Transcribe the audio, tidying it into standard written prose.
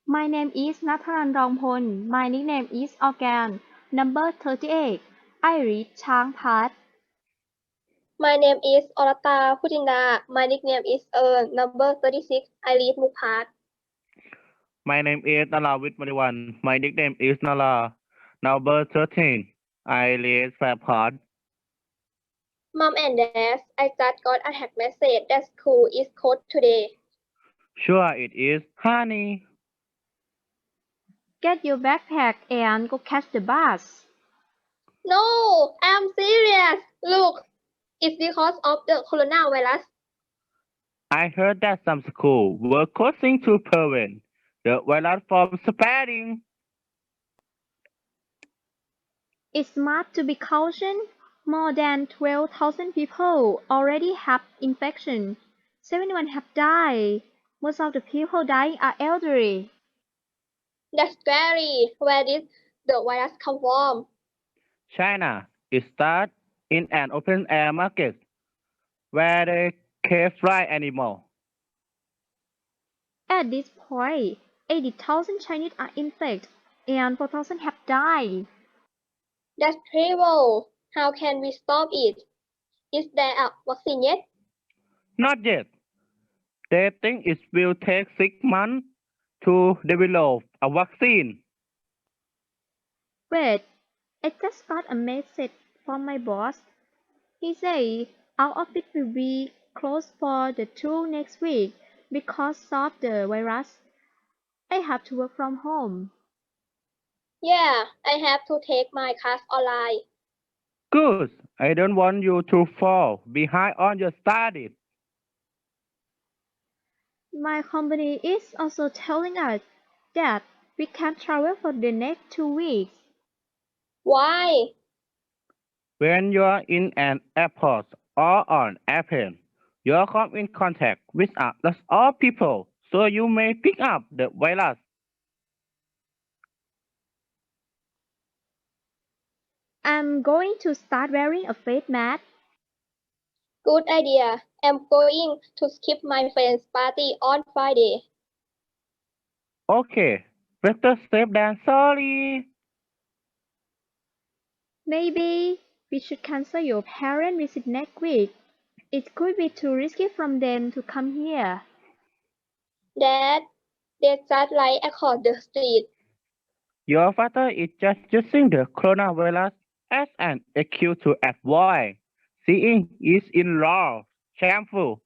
My name is Nathanan Rongpol. My nickname is Organ. Number 38. I read Chang Pat. My name is Orata Putinda. My nickname is number 36. I read Mukhat. My name is Nalawit Mariwan. My nickname is Nala. Number 13. I read Fairport. Mom and Dad, I just got a text message that school is closed today. Sure it is, honey. Get your backpack and go catch the bus. No, I'm serious. Look, it's because of the coronavirus. I heard that some schools were closing to prevent the virus from spreading. It's smart to be cautious. More than 12,000 people already have infection. 71 have died. Most of the people dying are elderly. That's scary. Where did the virus come from? China, it started in an open air market where they kept wild animals. At this point, 80,000 Chinese are infected and 4,000 have died. That's terrible. How can we stop it? Is there a vaccine yet? Not yet. They think it will take 6 months to develop a vaccine. Wait, I just got a message from my boss. He said our office will be closed for the 2 next week because of the virus. I have to work from home. Yeah, I have to take my class online. Good. I don't want you to fall behind on your studies. My company is also telling us that we can't travel for the next 2 weeks. Why? When you're in an airport or on airplane, you come in contact with a lot of people, so you may pick up the virus. I'm going to start wearing a face mask. Good idea. I'm going to skip my friend's party on Friday. Okay, better safe than sorry. Maybe we should cancel your parent visit next week. It could be too risky for them to come here. Dad, they just like across the street. Your father is just using the coronavirus as an excuse to avoid seeing his in-law. Shameful.